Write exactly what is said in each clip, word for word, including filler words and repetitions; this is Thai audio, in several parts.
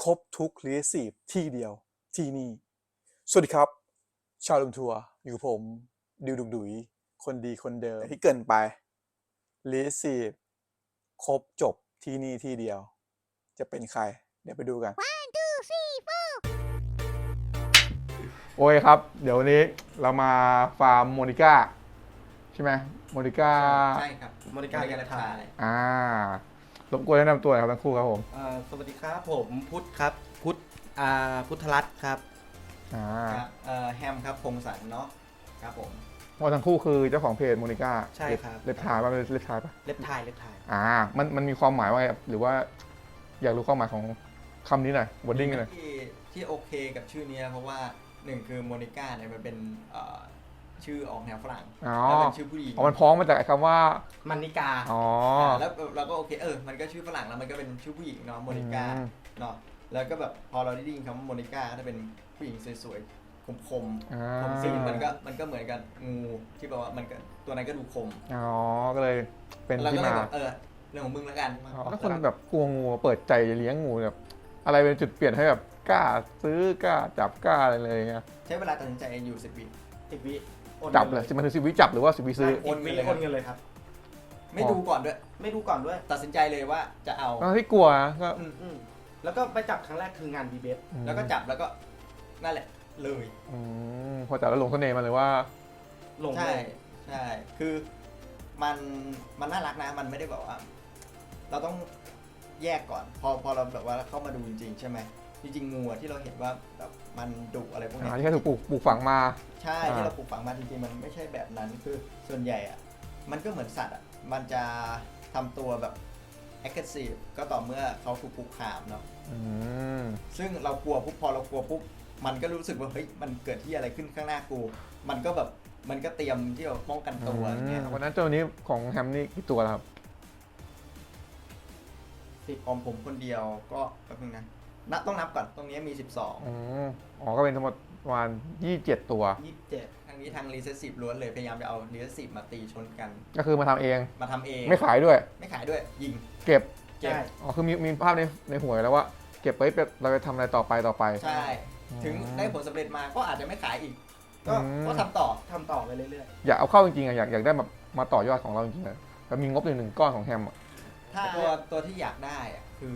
รบทุกครีเอทีฟที่เดียวที่นี่สวัสดีครับชาวลมทัวร์อยู่กับผมดิวดุกดุยคนดีคนเดิมที่เกินไปครีเอทีฟครบจบที่นี่ที่เดียวจะเป็นใครเดี๋ยวไปดูกัน one two three four โอ้ยครับ เดี๋ยววันนี้เรามาฟาร์มโมนิก้าใช่ไหมโมนิก้าใช่ครับโมนิก้าแกระทายอ่ารบกวนแนะนำตัวหน่อยครับทั้งคู่ครับผมอ่าสวัสดีครับผมพุทธครับพุทธอ่าพุทธรัตน์ครับอ่าครับเอ่อแฮมครับพงศสันเนาะครับผมเพราะทั้งคู่คือเจ้าของเพจโมนิก้าใช่ครับเล็บทายป่ะเล็บทายป่ะเล็บทายเล็บทายอ่ามันมันมีความหมายว่าไงครับหรือว่าอยากรู้ความหมายของคำนี้หน่อยวอร์ดิ้งหน่อยที่ที่โอเคกับชื่อนี้เพราะว่าหนึ่งคือโมนิก้าเนี่ยมันเป็นเอ่อชื่อออกแนวฝรั่งอ๋อแล้วเป็นชื่อผู้หญิงอ๋อมันพ้องมาจากไอ้คำว่ามันนิกาอ๋อแล้วเราก็โอเคเออมันก็ชื่อฝรั่งแล้วมันก็เป็นชื่อผู้หญิงเนาะโมนิก้าอืมเนาะแล้วก็แบบพอเราได้ยินคำว่าโมนิก้าก็จะเป็นผู้หญิงสวยๆคมๆอ่าผมสีมันก็มันก็เหมือนกันงูที่แบบว่ามันก็ตัวนั้นก็ดูคมอ๋อก็เลยเป็นแล้วที่ก็เลยมาแบบเออเรื่องของมึงแล้วกันอ๋อถ้าคนแบบกลัวงูเปิดใจเลี้ยงงูแบบอะไรเป็นจุดเปลี่ยนให้แบบกล้าซื้อกล้าจับกล้าอะไรเลยเงี้ยใช้เวลาตัดสินใจอยู่สิบวิสิบวิจับเลยมันคือสิบวิจับหรือว่าสิบวิซื้อโอนเงินเลยโอนเงินเลยครับไม่ดูก่อนด้วยไม่ดูก่อนด้วยตัดสินใจเลยว่าจะเอาตอนที่กลัวนะก็อืมอืมแล้วก็ไปจับครั้งแรกคืองานดีเบตแล้วก็จับแล้วก็นั่นแหละเลยอืมพอจับแล้วหลงเสน่ห์มาเลยว่าลงใช่เลยใช่คือมันมันน่ารักนะมันไม่ได้แบบว่า เราต้องแยกก่อน พอพอเราแบบว่าเข้ามาดูจริงๆใช่ไหมจริงๆงูอะที่เราเห็นว่าแบบมันดุอะไรพวกเนี้อ่าย ที่แค่ถูกปลูกปลูกฝังมาใช่อ่าที่เราปลูกฝังมาจริงๆมันไม่ใช่แบบนั้นคือส่วนใหญ่อะมันก็เหมือนสัตว์อะมันจะทำตัวแบบ aggressive ก็ต่อเมื่อเขาถูกคุกคามเนาะอืมซึ่งเรากลัวปุ๊บพอเรากลัวปุ๊บมันก็รู้สึกว่าเฮ้ยมันเกิดที่อะไรขึ้นข้างหน้ากู มันก็แบบมันก็เตรียมที่จะป้องกันตัวอย่างเงี้ยวันนั้นเจ้านี้ของแฮมนี่กี่ตัวแล้วครับสิบของผมคนเดียวก็แป๊บนึงนะนับต้องนับก่อนตรงนี้มีสิบสองอืมอ๋อก็เป็นทั้งหมดประมาณยี่สิบเจ็ดตัวยี่สิบเจ็ดทางนี้ทาง recessive ล้วนเลยพยายามจะเอา recessive มาตีชนกันก็คือมาทำเองมาทำเองไม่ขายด้วยไม่ขายด้วยยิงเก็บเก็บใช่อ๋อคือมีมีภาพในในหัวแล้วว่า เก็บไว้เป็นเราจะทำอะไรต่อไปต่อไปใช่อืมถึงได้ผลสำเร็จมาก็อาจจะไม่ขายอีก ก็อืมก็ทำต่อทำต่อไปเรื่อยอยากเอาเข้าจริงๆอะอยากอยากได้แบบมาต่อยอดของเราจริงๆอะแล้วมีงบหนึ่งหนึ่งก้อนของแฮมอะถ้าตัวตัวที่อยากได้อะคือ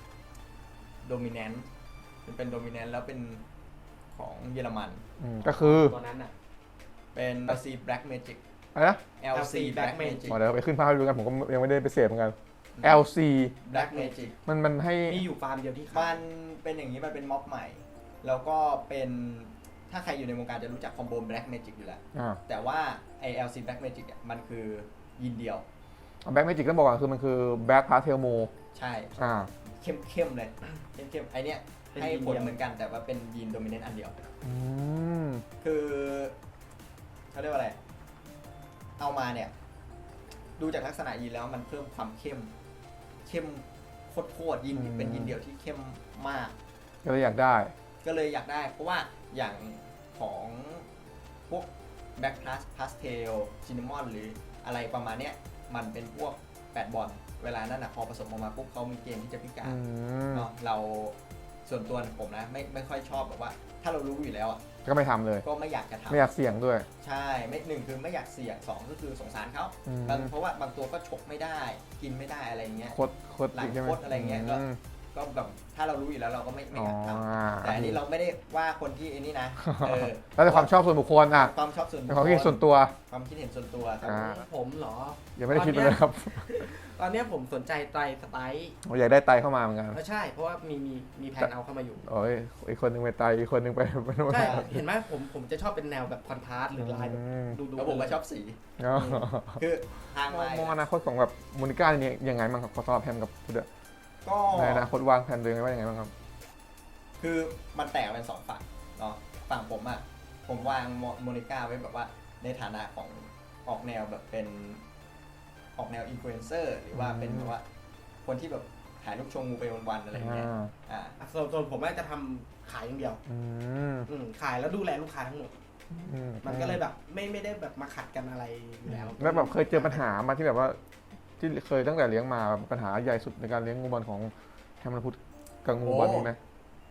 dominant มันเป็น dominant แล้วเป็นของเยอรมันอืมก็คือๆตัวนั้นอ่ะเป็น แอล ซี Black Magic อะไรนะแอล ซี Black Magic อ๋อเดี๋ยวไปขึ้นภาพให้ดูกันผมก็ยังไม่ได้ไปเสพเหมือนกัน แอล ซี Black Magic มันมันให้มีอยู่ฟาร์มเดียวที่ขามัยนเป็นอย่างนี้มันเป็นม็อบใหม่ แล้วก็เป็นถ้าใครอยู่ในวงการจะรู้จักคอมโบ Black Magic อยู่แล้วอ่าแต่ว่าไอ แอล ซี Black Magic อ่ะมันคือยินเดียวแบ็กเมจิกต้องบอกก่อนคือมันคือแบ็กพาสเทลโมใช่อ่าเข้มเข้มเลยเข้มเข้มไอเนี้ยเป็นให้ยีนผลเดียวเหมือนกันแต่ว่าเป็นยีนโดมิเนนต์อันเดียวอืมคือเขาเรียกว่าอะไร เอามาเนี่ย ดูจากลักษณะยีนแล้วมันเพิ่มความเข้ม เข้มโคตรๆยินเป็นยินเดียวที่เข้มมากก็เลยอยากได้ก็เลยอยากได้ เพราะว่าอย่างของพวกแบ็คพลัสพาสเทลซินนามอนหรืออะไรประมาณเนี้ยมันเป็นพวกแปดบอลเวลานั้นนะพอผสมออกมาปุ๊บเขามีเกณฑ์ที่จะพิกาอืรมเนาะเราส่วนตัวผมนะไม่ไม่ค่อยชอบแบบว่า ถ้าเรารู้อยู่แล้วอ่ะก็ไม่ทำเลยก็ไม่อยากจะทำไม่อยากเสี่ยงด้วยใช่ไม่หนึ่งคือไม่อยากเสี่ยงสองก็คือสงสารเขาอืมบางเพราะว่าบางตัวก็ฉกไม่ได้ กินไม่ได้อะไรเงี้ยโคตรโคตรหลังใช่ไหมโคตรอะไรเงี้ยก็มก็แบบถ้าเรารู้อยู่แล้วเราก็ไม่ไม่อยากทอ๋อำแต่อันนี้เราไม่ได้ว่าคนที่ไอ้นี่นะเออแล้วแต่ความชอบส่วนบุคคลอ่ะความชอบส่วนเป็นความคิดเห็นส่วนตัวความคิดเห็นส่วนตัวครับอ่าผมเหรอยังไม่ได้คิดเลยครับตอนเนี้ยผมสนใจไตรสไตล์ผมอยากได้ไตเข้ามาเหมือนกันเออใช่ เพราะว่ามีมีมีแผนเอาเข้ามาอยู่โอ้ยอีกคนหนึงไปไตอีกคนหนึงไปไปโน่นใช่ เห็นไหมผมผมจะชอบเป็นแนวแบบคอนทราสต์หรือลายแบบอืมดูดูแล้วผมก็ชอบสีอ๋อคือทางมองลายมองอนาคตของแบบโมนิก้าเนี่ยยังไงบ้างครับขอสำหรับแฮมกับพุทธอะก็ในอนาคตวางแผนตัวเองไว้ยังไงบ้างครับคือมันแตกเป็นสองฝั่งเนาะฝั่งผมอ่ะผมวางโมนิก้าไว้แบบว่าในฐานะของออกแนวแบบเป็นออกแนวอินฟลูเอนเซอร์หรือว่าเป็นแบบว่าคนที่แบบถ่ายรูปชมงูไปวันๆอะไรอย่างเงี้ยอ่าอ่าอ่ะส่วนส่วนผมว่าจะทำขายอย่างเดียวอืมอืมขายแล้วดูแลลูกค้าทั้งหมดอืมมันก็เลยแบบไม่ไม่ได้แบบมาขัดกันอะไรอยู่แล้วแล้วแบบเคยเจอปัญหามาที่แบบว่า ที่เคยตั้งแต่เลี้ยงมาแบบปัญหาใหญ่สุดในการเลี้ยงงูบอลของแฮมและพุทธกับงูบอลนี่ไหม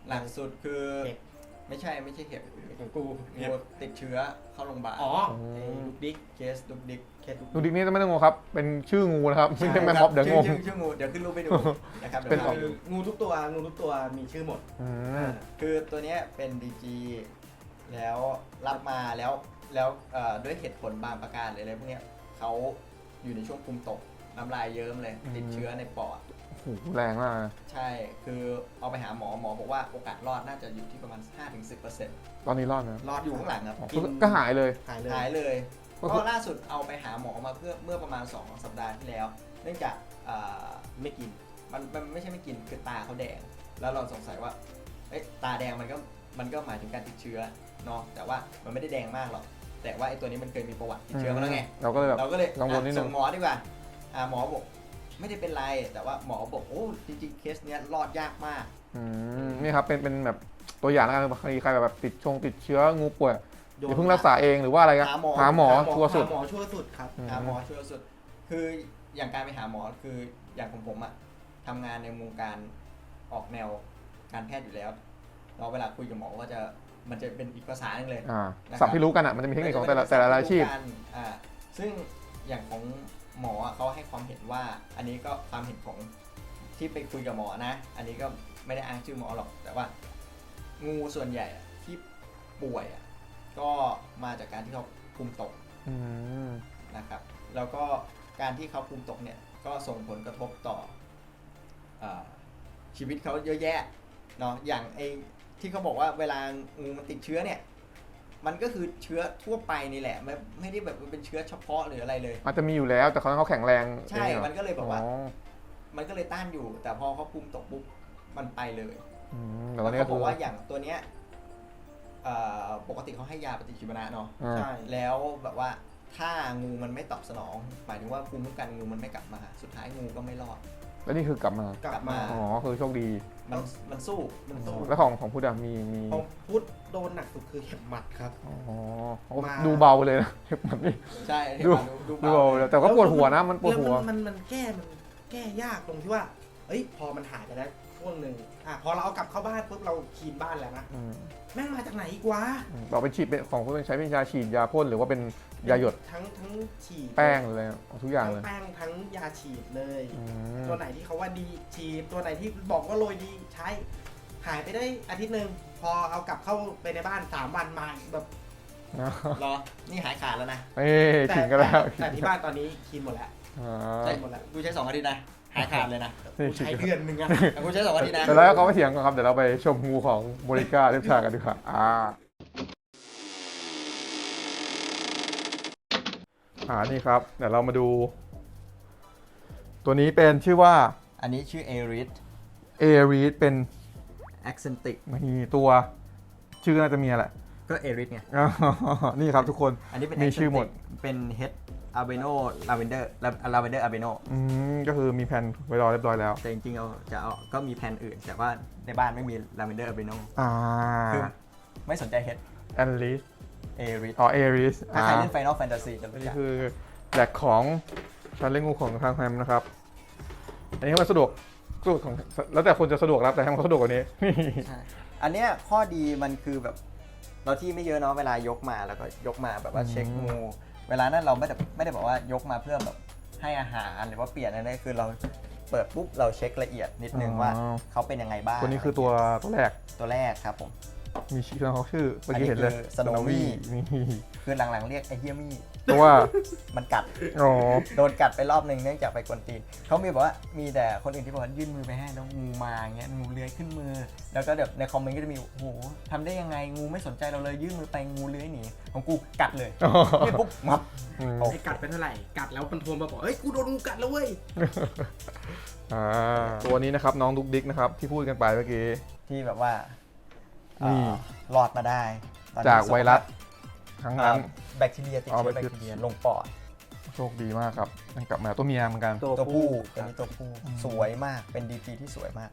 หลักสุดคือเห็บไม่ใช่ไม่ใช่เห็บของกูงูติดเชื้อเข้าโรงพยาบาลอ๋อไอ้ลูกดิ๊กเคสดุกดิกเคสลูกดูดิกนี่ไม่ต้องงงครับ เป็นชื่องูนะครับไม่ใช่แมมม็อบเดี๋ยวงงชื่อชื่องูเดี๋ยวขึ้นรูปไปดูนะครับเป็เดี๋ยนวพาไปดูงูทุกตัวงูทุกตัวมีชื่อหมดอืมคือตัวเนี้ยเป็น ดี จี แล้วรับมาแล้วแล้วเอ่อด้วยเหตุผลบางประการหรืออะไรพวกเนี้ยเขาอยู่ในช่วงภูมิตกน้ำลายเยิ้มเลย ติดเชื้อในปอดโอ้โหแรงมากนะใช่ คือเอาไปหาหมอหมอบอกว่าโอกาสรอดน่าจะอยู่ที่ประมาณ ห้าถึงสิบเปอร์เซ็นต์ตอนนี้รอดนะรอดอยู่ข้างหลังครับอ๋อกินก็หายเลยหายเลยหายเลยก็เพคือราะล่าสุดเอาไปหาหมอมาเพื่อเมื่อประมาณสองสัปดาห์ที่แล้ว เนื่องจากเอ่อไม่กินมันมันไม่ใช่ไม่กินคือตาเขาแดง แล้วเราสงสัยว่าเอ๊ะตาแดงมันก็มันก็หมายถึงการติดเชื้อเนาะแต่ว่ามันไม่ได้แดงมากหรอกแต่ว่าไอ้ตัวนี้มันเคยมีประวัติติดเชื้อมาแล้วไงเราก็เลยแบบเราก็เลยกังวลนิดนึงส่งหมอดีกว่าอ่าหมอบอกไม่ได้เป็นไร แต่ว่าหมอบอกโอ้จริงๆเคสเนี้ยรอดยากมากอืมนี่ครับเป็นเป็นแบบตัวอย่างแล้วกันบางทีใครแบบติดชงติดเชื้องูป่วยอย่าเพิ่งรักษาเองหรือว่าอะไรกันหาหมอหาหมอชัวร์สุดหาหมอชัวร์สุดครับอืมหาหมอช่วยสุด คืออย่างการไปหาหมอคืออย่างของผมอะทำงานในวงการออกแนวการแพทย์อยู่แล้วเราเวลาคุยกับหมอก็จะมันจะเป็นอีกภาษาหนึงเลยอ่านะครับสับที่รู้กันอ่ะมันจะมีเทคนิคของแต่ละแต่ละอาชีพกันอ่าซึ่งอย่างของหมออะเขาให้ความเห็นว่า อันนี้ก็ความเห็นของที่ไปคุยกับหมอนะ อันนี้ก็ไม่ได้อ้างชื่อหมอหรอก แต่ว่างูส่วนใหญ่อะที่ป่วยอะก็มาจากการที่เขาภูมิตกอืมนะครับ แล้วก็การที่เขาภูมิตกเนี่ยก็ส่งผลกระทบต่อเอ่อชีวิตเขาเยอะแยะเนาะอย่างไอที่เขาบอกว่าเวลางูมันติดเชื้อเนี่ยมันก็คือเชื้อทั่วไปนี่แหละไม่ไม่ได้แบบเป็นเชื้อเฉพาะหรืออะไรเลยอาจจะมีอยู่แล้วแต่เขาเขาแข็งแรงใช่องหรอมันก็เลยแบบว่าอ๋อมันก็เลยต้านอยู่ แต่พอเขาภูมิตกปุ๊บมันไปเลยอืมแต่ตอนนี้เขาก็บคือ อกว่าอย่างตัวเนี้ยเอ่อปกติเขาให้ยาปฏิชีวนะเนาะอ่าใช่แล้วแบบว่าถ้างูมันไม่ตอบสนอง หมายถึงว่าภูมิคุ้มกันงูมันไม่กลับมา สุดท้ายงูก็ไม่รอดแล้วนี่คือกลับมากลับมาอ๋อคือโชคดีมันมันสู้มันสู้แล้วของของพุทธอะมีมีของพุทธโดนหนักสุดคือเห็บหมัดครับอ๋อมาดูเบาไปเลยนะ แบบนี้ใช่ดูดูดูเบาเลยแต่ก็ปวดหัวนะมันปวดหัวแล้มันมันแก้มันแก้ยากตรงที่ว่า เอ้ยพอมันหายไปแล้วช่วงหนึ่งอ่ะพอเราเอากลับเข้าบ้านปุ๊บเราคลีนบ้านแล้วนะอืมแม่งมาจากไหนอีกวะเราเป็นฉีดเป็นของพุทธเป็นใช้เป็นยาฉีดยาพ่นหรือว่าเป็นยาหยดทั้งทั้งฉีดแป้งเลยเอาทุกอย่างทั้เลยงแป้งทั้งยาฉีดเลยอืมตัวไหนที่เขาว่าดีฉีดตัวไหนที่บอกว่าโรยดีใช้หายไปได้อาทิตย์หนึ่งพอเอากลับเข้าไปในบ้านสามวันมาอีกแบบรอ นี่หายขาดแล้วนะเอ้ยขิงกันแล้วแต่ที่บ้านตอนนี้คลีนหมดแล้วอ่าใช้หมดแล้วกูใช้สองอาทิตย์นะ หายขาดเลยนะนี่กูขิงใช้กันเดือนหนึ่งอะแต่กูใช้สองอาทิตย์นะเดี๋ยวเราเขาไปเถียงกันครับเดี๋ยวเราไปชมงูของโมริก้าเรียบชากันดีกว่าอ่าอ่านี่ครับเดี๋ยวเรามาดู ตัวนี้เป็นชื่อว่าอันนี้ชื่อเอริสเอรีสเป็นแอคเซนติกมีตัวชื่อน่าจะมีอะไรก็เอริสไงอ๋อนี่ครับทุกคนอันนี้เป็นมีชื่อหมด Accentic เป็นเฮดอาเบโนลาเวนเดอร์ลาเวนเดอร์อาเบโนอืมก็คือมีแผนไว้รอเรียบร้อยแล้วแต่จริงๆเอาจะเอาก็มีแผนอื่น แต่ว่าในบ้านไม่มีลาเวนเดอร์อาเบโนอ่าคือไม่สนใจเฮดแอนลิสเอริสอ๋อเอริสถ้าอ่าใครเล่น Final Fantasy จะอันรู้นี้จักคือแหลกของชั้นเล่นงูของทางแฮมนะครับ อันนี้มันสะดวกสะดวกของแล้วแต่คนจะสะดวกรับแต่แฮมเขาสะดวกกว่านี้ใช่อันเนี้ยข้อดีมันคือแบบเราที่ไม่เยอะเนาะเวลายกมาแล้วก็ยกมาแบบว่าเช็คงู เวลานั้นเราไม่ได้ไม่ได้บอกว่ายกมาเพื่อแบบให้อาหารหรือว่าเปลี่ยนอะไรคือเราเปิดปุ๊บเราเช็คละเอียดนิดนึงอ๋อว่าเขาเป็นยังไงบ้างตัวนี้คือตัวตัวแรกตัวแรกครับผมมีชื่อเขาชื่อเมื่อกี้เห็นเลยอันนี้คือ Snowy นี่คือหลังๆเรียกไอ้เฮียมี่เพราะว่ามันกัดอ๋อโดนกัดไปรอบหนึ่งเนื่องจากไปกวนตีนเขามีบอกว่ามีแต่คนอื่นที่บอกว่ายื่นมือไปให้แล้วงูมาอย่างเงี้ยงูเลื้อยขึ้นมือ แล้วก็แบบในคอมเมนต์ก็จะมีโอ้โหทำได้ยังไงงูไม่สนใจเราเลยยื่นมือไปงูเลื้อยหนีของกูกัดเลยอ๋อนี่ปุ๊บมับอืมโอ้ไอ้กัดเป็นเท่าไหร่กัดแล้วมันโทรมาบอกเฮ้ยกูโดนงูกัดแล้วเว้ยอ่าตัวนี้นะครับน้องดุกดิกนะครับที่พูดกันไปเมื่อกี้ที่แบบว่านี่เอ่อรอดมาได้ตอนนี้จากไวรัสครั้งเอ่นั้อน แบคทีเรียติดอ๋อเชื้อแบแบคคทีทีเรีเรียยลงปอดโชคดีมากครับยังกลับมาตัวเมียเหมือนกันตัวผู้ตัวนี้ตัวผู้สวยมากเป็น ดี พี ที่สวยมาก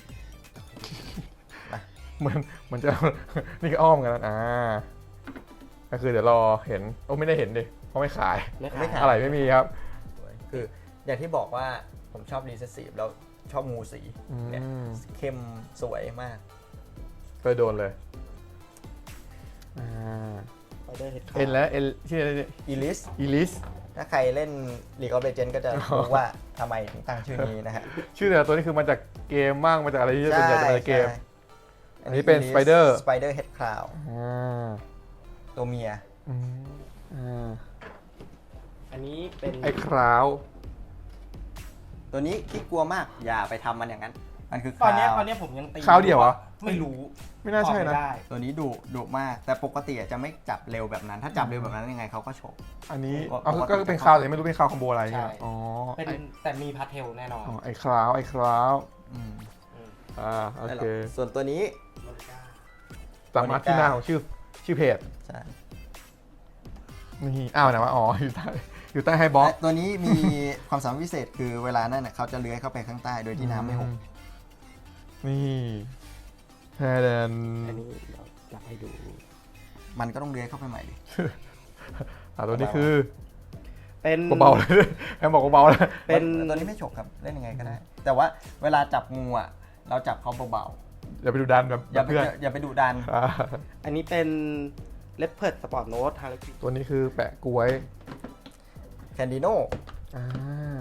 เหมือนเหมือนจะ นี่ก็อ้อมกันแล้วอ่าก็คือเดี๋ยวรอเห็นโอ้ไม่ได้เห็นดิเพราะไม่ขายไม่ไม่ขาขายยอะไรไม่มีครับสวยคืออย่างที่บอกว่าผมชอบรีเซสซีฟแล้วชอบงูสีอืเนี่ยมเข้มสวยมากไปโดนเลยอ่าไปเดอร์เฮดเอ็นแล้วเอ็นชื่ออะไรเนี่ยอีลิสอีลิสถ้าใครเล่น League of Legends ก็จะรู้ว่าทำไมถึงตั้งชื่อนี้นะฮะชื่อแต่ละตัวนี้คือมาจากเกมบ้างมาจากอะไรที่ส่วนใหญ่จะมาจากเกมใช่อันนี้เป็น Spider Spider Head Cloud อ่าตัวเมียอืมอ่าอันนี้เป็นไอ้คราวตัวนี้ขี้กลัวมากอย่าไปทำมันอย่างนั้น มันคือตอนเนี้ยคตราวอนเนี้ยผมยังตีคราวเดียวเหรอไม่รู้ไม่น่าใช่นะตอบไม่ได้ตัวนี้ดุดุมาก แต่ปกติอะจะไม่จับเร็วแบบนั้น ถ้าจับเร็วแบบนั้นยังไงเขาก็ฉกอันนี้ก็เอาปกติก็เป็นคราวแต่ไม่รู้เป็นคราวคอมโบอะไรใช่เนี่ยอ๋อเป็นไอ้แต่มีพาร์ทเทลแน่นอนอ๋อไอ้คราวไอ้คราวอืมอ่าโอเคส่วนตัวนี้โมนิก้าสามารถที่หน้าของชื่อชื่อเพจใช่นี่อ้าวไหนวะอ๋ออยู่ใต้อยู่ใต้ไฮบ็อกและตัวนี้มีความสามารถพิเศษคือเวลานั้นน่ะเขาจะเลื้อยเข้าไปข้างใต้โดยที่น้ำไม่หกนี่แทแดนอันนี้เดี๋ยวอยากให้ดูมันก็ต้องเลื้อยเข้าไปใหม่ดิอ่าตัวนี้คือเป็นเบาๆเลยแอมบอกเบาๆเลยเป็นตัวนี้ไม่ฉกครับเล่นยังไงก็ได้ แต่ว่าเวลาจับงูอ่ะเราจับเขาเบาอย่าไปดูดันแบบๆอย่าไปเพื่อนอย่าไปดุดันอ่าอันนี้เป็นเลปเพิร์ดสปอร์ตโน้ตฮาร์เลควินตัวนี้คือแปะกล้วยแคนดิโนอ่า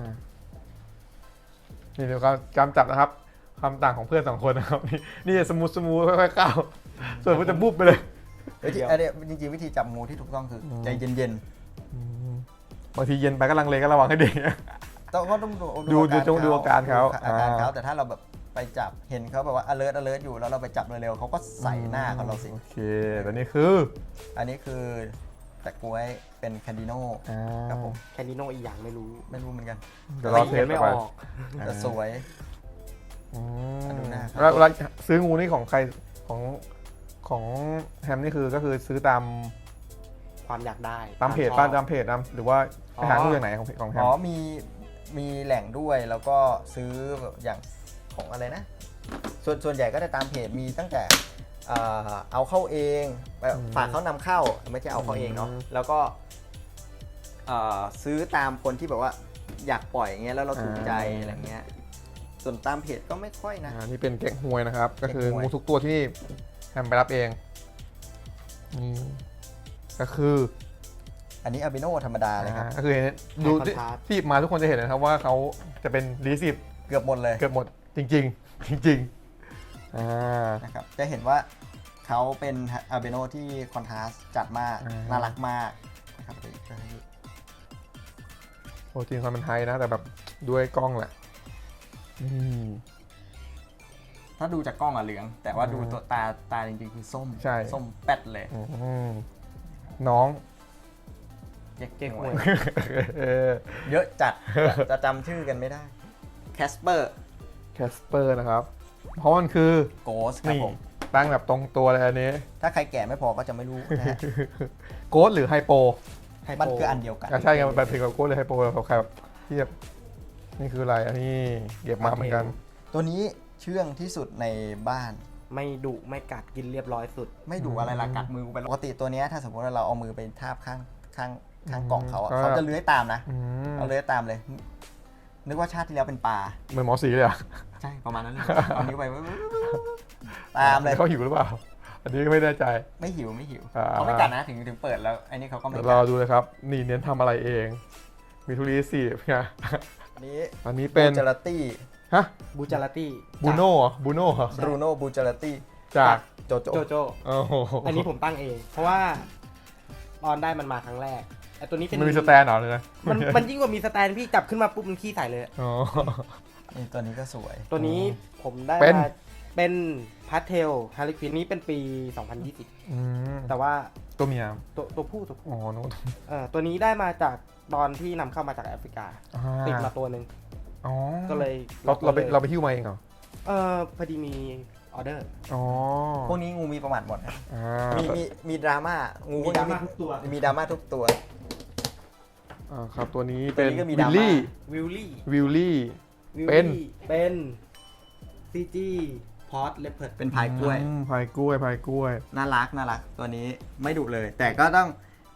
นี่เดี๋ยวการการจับนะครับความต่างของเพื่อนสองคนนะครับนี่นี่สมูทสมูทค่อยๆก้าวส่วนมันจะบุบไปเลยวิธีอันเนี้ยจริงๆวิธีจับงูที่ถูกต้องคือใจเย็นอืมบางทีเย็นไปก็ลังเลก็ระวังให้ดีๆต้องก็ต้องดูดูดูจงดูอาการเขาอาการเขาอ่าแต่ถ้าเราแบบไปจับเห็นเขาแบบว่า alert alert อยู่แล้วเราไปจับเร็วๆเขาก็ใส่หน้าเขาเราสิโอเคตัวนี้คืออันนี้คือแต่กล้วยเป็นแคนดิโนอ่าครับผมแคนดิโนอีกอย่างไม่รู้ไม่รู้เหมือนกันเดี๋ยวรอเทสไม่ต่ออไปอกแต่สวยอืมดูหน้าครับแล้วเวลาซื้องูนี่ของใครของของแฮมนี่คือก็คือซื้อตามความอยากได้ตามเพจชอบป้าตามเพจตามหรือว่าไปหาอ๋องูอย่างไหนของของแฮมอ๋อมีมีแหล่งด้วยแล้วก็ซื้อแบบอย่างของอะไรนะ ส่วนส่วนใหญ่ก็จะตามเพจมีตั้งแต่เอ่อเอาเข้าเองแบบฝากเขานำเข้าไม่ใช่เอาเข้าเองเนาะแล้วก็เอ่อซื้อตามคนที่แบบว่าอยากปล่อยอย่างเงี้ยแล้วเราถูกใจอะไรเงี้ยส่วนตามเพจก็ไม่ค่อยนะอ่านี่เป็นแกงหวยนะครับ ก็คือแกงหวยงูทุกตัวที่แฮมไปรับเองอืมก็คืออันนี้อาบิโนธรรมดาเลยครับอ่าก็คือเห็นดูที่ที่มาทุกคนจะเห็นนะครับว่าเขาจะเป็นรีสิบเกือบหมดเลยเกือบหมดจริง ๆ จริงๆอ่านะครับจะเห็นว่าเขาเป็นอาบิโนที่คอนทราสต์จัดมากอ่าน่ารักมากนะครับเดี๋ยวจะให้ดูโปรตีนความเป็นไทยนะ แต่แบบด้วยกล้องแหละอืมถ้าดูจากกล้องอะเหลือง แต่ว่าอืมดูตัวตาตาจริงๆคือส้มใช่ส้มแป๊ดเลยอืมน้องเจ๊กเจ๊กหหววย ยเออเยอะจัด จะจำชื่อกันไม่ได้แคสเปอร์แคสเปอร์นะครับ เพราะมันคือโกสครับนี่ผมตั้งแบบตรงตัวเลยอันนี้ถ้าใครแก่ไม่พอก็จะไม่รู้นะฮะโกดหรือไฮโปไฮโปมันคืออันเดียวกันอ่ะใช่ไงมันเป็นถึงกับโกดหรือไฮโปแบบใครแบบที่แบบนี่คืออะไรอันนี้เก็บมาเหมือนกันตัวนี้เชื่องที่สุดในบ้านไม่ดุไม่กัดกินเรียบร้อยสุดไม่ดูอะไรละกัดมือไปปกติตัวเนี้ยถ้าสมมติว่าเราเอามือไปทาบข้างข้างข้างกล่องเขาอะก็เขาจะเลื้อยตามนะอืมเขาเลื้อยตามเลย นึกว่าชาติที่แล้วเป็นปลาเหมือนหมอสีเลยอ่ะใช่ประมาณนั้นเลยเอานิ้วไปตามเลยเขาหิวหรือเปล่า อันนี้ก็ไม่แน่ใจไม่หิวไม่หิวอ่าเขาไม่กัดนะถึงถึงเปิดแล้วไอ้นี่เขาก็ไม่เดี๋ยวกัรอดดูเลยครับ นี่เน้นทำอะไรเอง มีทุเรียนสีไงอันนี้อันนี้เป็นบูจาราตี้ฮะบูจาราตี้บูโน่เหรอบูโน่เหรอบรูโน่บูจาราตี้จากโจโจโจโจโอ้โหอันนี้ผมตั้งเอง เพราะว่าตอนได้มันมาครั้งแรกไอ้ตัวนี้เป็นมันมีสแตนเหรอเลยนะมันมันยิ่งกว่ามีสแตนพี่จับขึ้นมาปุ๊บมันขี้ใส่เลยอ๋อนี่ตัวนี้ก็สวยตัวนี้ผมได้เป็นมาเป็นพาร์ทเทลฮาริควินนี้เป็นปี สองพันยี่สิบอืมแต่ว่าตัวเมียตัวตัวผู้ตัวผู้อ๋อโน้ตเอ่อตัวนี้ได้มาจากตอนที่นำเข้ามาจากแอฟริกาอ่ติดมาตัวหนึ่งอ๋อก็เลยเราเราไปเราไปหิ้วมาเองเหรอเออพอดีมีออเดอร์อ๋อพวกนี้งูมีประวัติหมดนะอ่ามีมีมีดราม่างูพวกนี้มีดราม่าทุกตัวมีดราม่าทุกตัวอ่าครับตัวนี้เป็นตัวนี้ก็มีวิดราลม่าลี่วิลลี่วิลลี่วิลเป็นลี่เป็นซีจีพอตเลปเพิร์ดเป็นพายกล้วยอืมพายกล้วยพายกล้วยน่ารักน่ารักตัวนี้ไม่ดุเลย แต่ก็ต้อง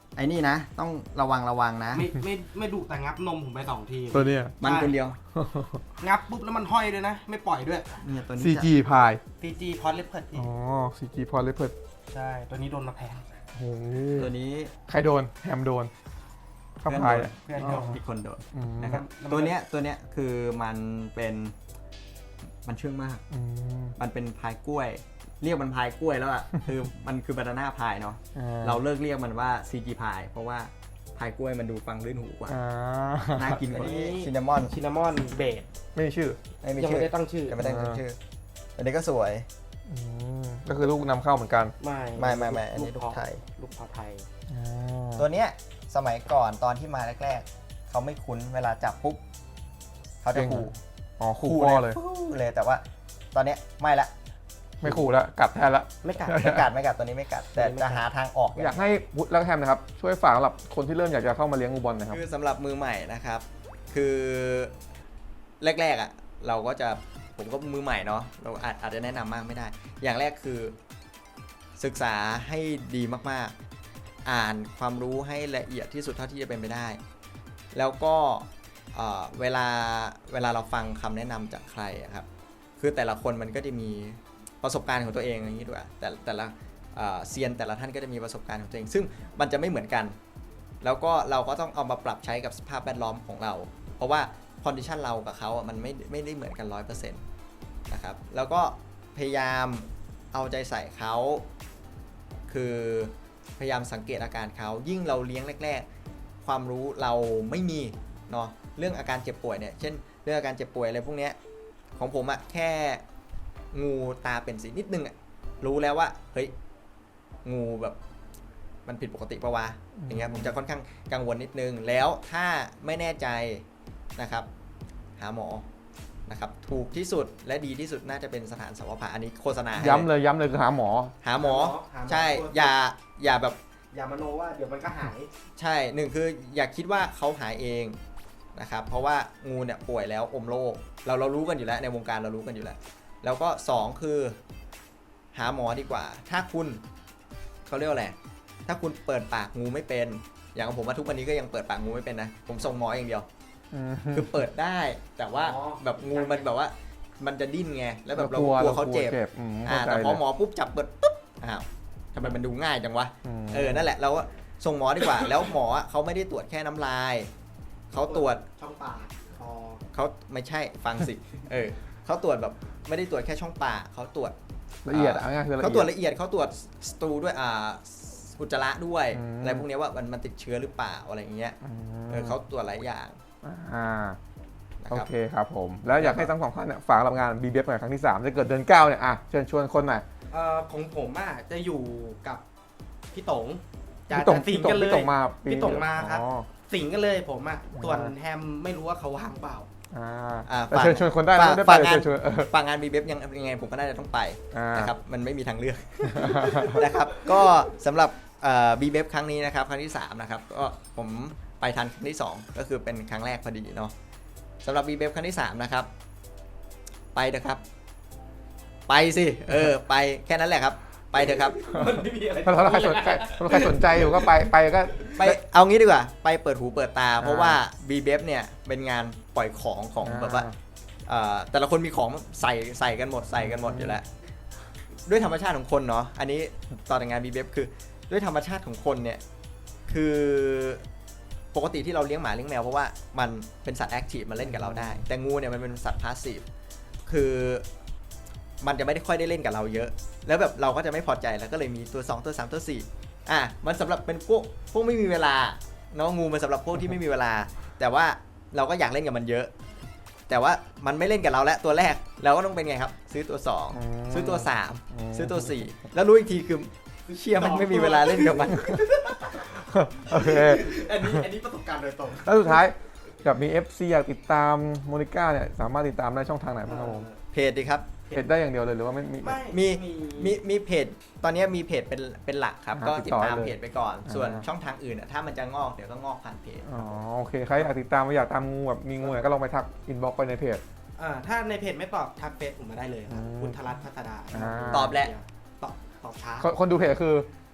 ไอ้นี่นะ ต้องระวังระวังนะไม่ไม่ไม่ดุแต่งับนมผมไปสองทีตัวเนี้ยมันคนเดียวงับปุ๊บแล้วมันห้อยด้วยนะ ไม่ปล่อยด้วยเนี่ยตัวนี้ซีจะจีพายทีจีพอดเลปเพิร์ดอ๋อ ซีจีพอเลเพิร์ดใช่ตัวนี้โดนมาแพงโอ้โหตัวนี้ใครโดน แฮมโดนข้าพายอะเพื่อนอ๋โดอนอีกคนโดนอืมนะครับแล้วมันตัวเนี้ยตัวเนี้ยคือมันเป็นมันเชื่องมากอืมมันเป็นพายกล้วย เรียกมันพายกล้วยแล้วอ่ะ คือมันคือบานาน่าพายเนาะอ่เราเลิกเรียกมันว่าซีจีพายเพราะว่าพายกล้วยมันดูฟังลื่นหูกว่าอ่าน่ากินกว่าอันนี้ซินนามอนชินามอนเบสไม่มีชื่อไม่มียังชื่อไม่ได้ตั้งชื่อยังไม่ได้ตั้งชื่ออันนี้ก็สวยอืมก็คือลูกนำเข้าเหมือนกันไม่ไม่ไม่ไม่อันนี้ลูกเพาะไทยลูกเพาะไทยอ่าตัวเนี้ยสมัยก่อนตอนที่มาแรกๆเขาไม่คุ้นเวลาจับปุ๊บเขาจะขู่อ๋อขู่พ่อเลยฟู่เลยแต่ว่าตอนเนี้ยไม่ละไม่ขู่แล้วกัดแทนละไม่กัดไม่กัดไม่กัดตัวนี้ไม่กัด แต่จะหาทางออกอยากให้วุฒิและแฮมนะครับ ช่วยฝากสำหรับคนที่เริ่มอยากจะเข้ามาเลี้ยงงูบอลนะครับคือสำหรับมือใหม่นะครับ คือแรกๆอ่ะเราก็จะผมก็มือใหม่เนาะเราอาจอาจจะแนะนำมากไม่ได้ อย่างแรกคือศึกษาให้ดีมากๆ อ่านความรู้ให้ละเอียดที่สุดเท่าที่จะเป็นไปได้ แล้วก็เอ่อเวลาเวลาเราฟังคำแนะนำจากใครอะครับคือแต่ละคนมันก็จะมีประสบการณ์ของตัวเองอย่างนี้ด้วยแต่แต่ละเอ่อเซียนแต่ละท่านก็จะมีประสบการณ์ของตัวเอง ซึ่งมันจะไม่เหมือนกัน แล้วก็เราก็ต้องเอามาปรับใช้กับสภาพแวดล้อมของเรา เพราะว่าคอนดิชันเรากับเขาอ่ะมันไม่ไม่ได้เหมือนกัน ร้อยเปอร์เซ็นต์ นะครับแล้วก็พยายามเอาใจใส่เขาคือพยายามสังเกตอาการเขายิ่งเราเลี้ยงแรกๆความรู้เราไม่มีเนาะเรื่องอาการเจ็บป่วยเนี่ยเช่นเรื่องอาการเจ็บป่วยอะไรพวกเนี้ยของผมอะแค่งูตาเป็นสีนิดนึงอะรู้แล้วว่าเฮ้ยงูแบบมันผิดปกติปะวะอย่างเงี้ยผมจะค่อนข้างกังวลนิดนึงแล้วถ้าไม่แน่ใจนะครับหาหมอนะครับถูกที่สุดและดีที่สุดน่าจะเป็นสถานสวภาอันนี้โฆษณาให้ย้ำเลยย้ำเลยคือหาหมอหาหมอหาหมอใช่อย่าอย่าแบบอย่ามโนว่าเดี๋ยวมันก็หายใช่หนึ่งคืออย่าคิดว่าเขาหายเองนะครับเพราะว่างูเนี่ยป่วยแล้วอมโรคเราเรารู้กันอยู่แล้วในวงการเรารู้กันอยู่แล้วแล้วก็สองคือหาหมอดีกว่า ถ้าคุณเขาเรียกว่าอะไรถ้าคุณเปิดปากงูไม่เป็นอย่างของผมว่าทุกวันนี้ก็ยังเปิดปากงูไม่เป็นนะผมส่งหมออย่างเดียว คือเปิดได้แต่ว่าอ๋อแบบงูมันแบบว่ามันจะดิ้นไงแล้วแบบเรากลัวกลัวเขาเจ็บอืมอ่าเข้าใจแต่พอเลยหมอปุ๊บจับเปิดปุ๊บอ้าวทำไมมันดูง่ายจังวะมเออนั่นแหละเราก็ส่งหมอดีกว่า แล้วหมอเขาไม่ได้ตรวจแค่น้ำลายเขาตรวจช่องปากคอเขาไม่ใช่ฟังสิเออเขาตรวจแบบไม่ได้ตรวจแค่ช่องปากเขาตรวจละเอียดอ่ะง่ายๆคือละเอียดเขาตรวจละเอียดเขาตรวจสตูด้วยอ่าอุจจาระด้วยอืมอะไรพวกเนี้ยว่ามันมันติดเชื้อหรือเปล่าอะไรอย่างเงี้ยอืมเออเขาตรวจหลายอย่างอ่านะโอครับเคครับผม แล้วอยากให้ทั้งสองท่านเนี่ยฝากรับงาน บี บี เอฟ หน่อยครั้งที่สามจะเกิดเดือนเก้าเนี่ยอ่ะเชิญชวนคนหน่อยเอ่อของผมอ่ะจะอยู่กับพี่ต๋งจะพี่ตงจะสิพี่งตกังนเลยพี่ตงมาปีพี่ตงมาครับอ๋อสิงกันเลยผมอ่ะอ่าส่วนแฮมไม่รู้ว่าเขาว่างเปล่าอ่าอ่าแต่เชิญชวนคนได้นะฝากไม่ได้ไปฝากเลยงานเชิญชวนเออฝากงาน บี บี เอฟ ยังยังไงผมก็น่าจะต้องไปอ่านนะครับมันไม่มีทางเลือก นะครับก็สำหรับเอ่อ บี บี เอฟ ครั้งนี้นะครับครั้งที่สามนะครับก็ผมไปทันครั้งที่สองก็คือเป็นครั้งแรกพอดีเนาะสำหรับ บี บี เอฟ ครั้งที่สามนะครับไปเถอะครับ ไปสิเออไปแค่นั้นแหละครับ ไปเถอะครับมันไม่มีอะไรถ้าถ้าใครสนใจถ้าใครสนใจอยู่ก็ไปไปก็ไปเอางี้ดีกว่าไปเปิดหูเปิดตา เพราะว่า บี บี เอฟ เนี่ยเป็นงานปล่อยของของแบบว่าเอ่อแต่ละคนมีของใส่ใส่กันหมดใส่กันหมดอยู่แล้ว ด้วยธรรมชาติของคนเนาะอันนี้ตอนงาน บี บี เอฟ คือด้วยธรรมชาติของคนเนี่ยคือปกติที่เราเลี้ยงหมาเลี้ยงแมวเพราะว่ามันเป็นสัตว์แอคทีฟมาเล่นกับเราได้ แต่งูเนี่ยมันเป็นสัตว์พาสซีฟคือมันจะไม่ได้ค่อยได้เล่นกับเราเยอะ แล้วแบบเราก็จะไม่พอใจแล้วก็เลยมีตัวสองตัวสามตัวสี่อ่ะมันสำหรับเป็นพวกพวกไม่มีเวลาเนาะงูมันสำหรับพวกที่ไม่มีเวลา แต่ว่าเราก็อยากเล่นกับมันเยอะ แต่ว่ามันไม่เล่นกับเราแล้วตัวแรกเราก็ต้องเป็นไงครับ ซื้อตัวสองอืมซื้อตัวสามอืมซื้อตัวสี่แล้วรู้อีกทีคือเชียมันไม่มีเวลาเล่นกับมันโอเคอันนี้อันนี้ประสบการณ์โดยตรงแล้วสุดท้ายกับมี เอฟ ซี อยากติดตามโมนิก้าเนี่ยสามารถติดตามได้ช่องทางไหนบ้างครับผมเพจดีครับเพจได้อย่างเดียวเลยหรือว่าไม่มีไม่มีมีมีเพจตอนนี้มีเพจเป็นเป็นหลักครับอ่าก็ติติดดต่อตามเลยเพจไปก่อนอ่าส่วนช่องทางอื่นอะถ้ามันจะงอกเดี๋ยวก็งอกผ่านเพจอ๋อโอเคใครอยากติดตามอยากตามงูแบบมีงูเนี่ยก็ลองไปทักอินบ็อกไปในเพจอ่าถ้าในเพจไม่ตอบทักเฟซผมมาได้เลยครับอืมคุณธรัตน์พัฒดาอ่าตอบแหละตอบตอบช้าคนคนดูเพจคือ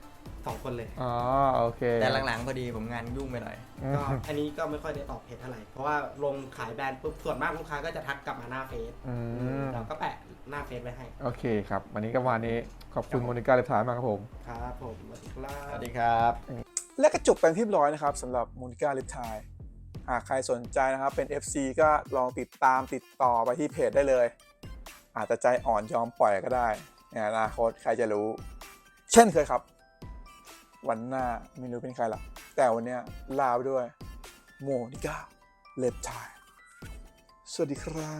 สองคนเลยอ๋อโอเคแต่หลังๆพอดีผมงานยุ่งไปหน่อยอืมก็อันนี้ก็ไม่ค่อยได้ตอบเพจเท่าไหร่ เพราะว่าลงขายแบรนด์ปุ๊บส่วนมากลูกค้าก็จะทักกลับมาหน้าเฟซอืมเราก็แปะหน้าเฟซไว้ให้โอเคครับ วันนี้ก็วันนี้ขอบคุณโมนิก้าเล็บทายมากครับผมครับผมสวัสดีครับสวัสดีครับและก็จบไปที่เรียบร้อยนะครับสำหรับมูนิก้าลิปไทยหากใครสนใจนะครับเป็น เอฟ ซี ก็ลองติดตามติดต่อไปที่เพจได้เลย อาจจะใจอ่อนยอมปล่อยก็ได้ในอนาคตใครจะรู้ เช่นเคยครับ วันหน้าไม่รู้เป็นใครหรอกแต่วันเนี้ยลาไปด้วยโมนิก้าลิปไทยสวัสดีครับ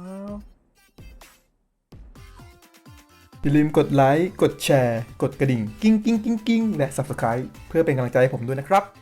อย่าลืมกดไลค์ กดแชร์ กดกระดิ่ง กิ้งกิ้งกิ้งกิ้งและ Subscribe เพื่อเป็นกำลังใจให้ผมด้วยนะครับ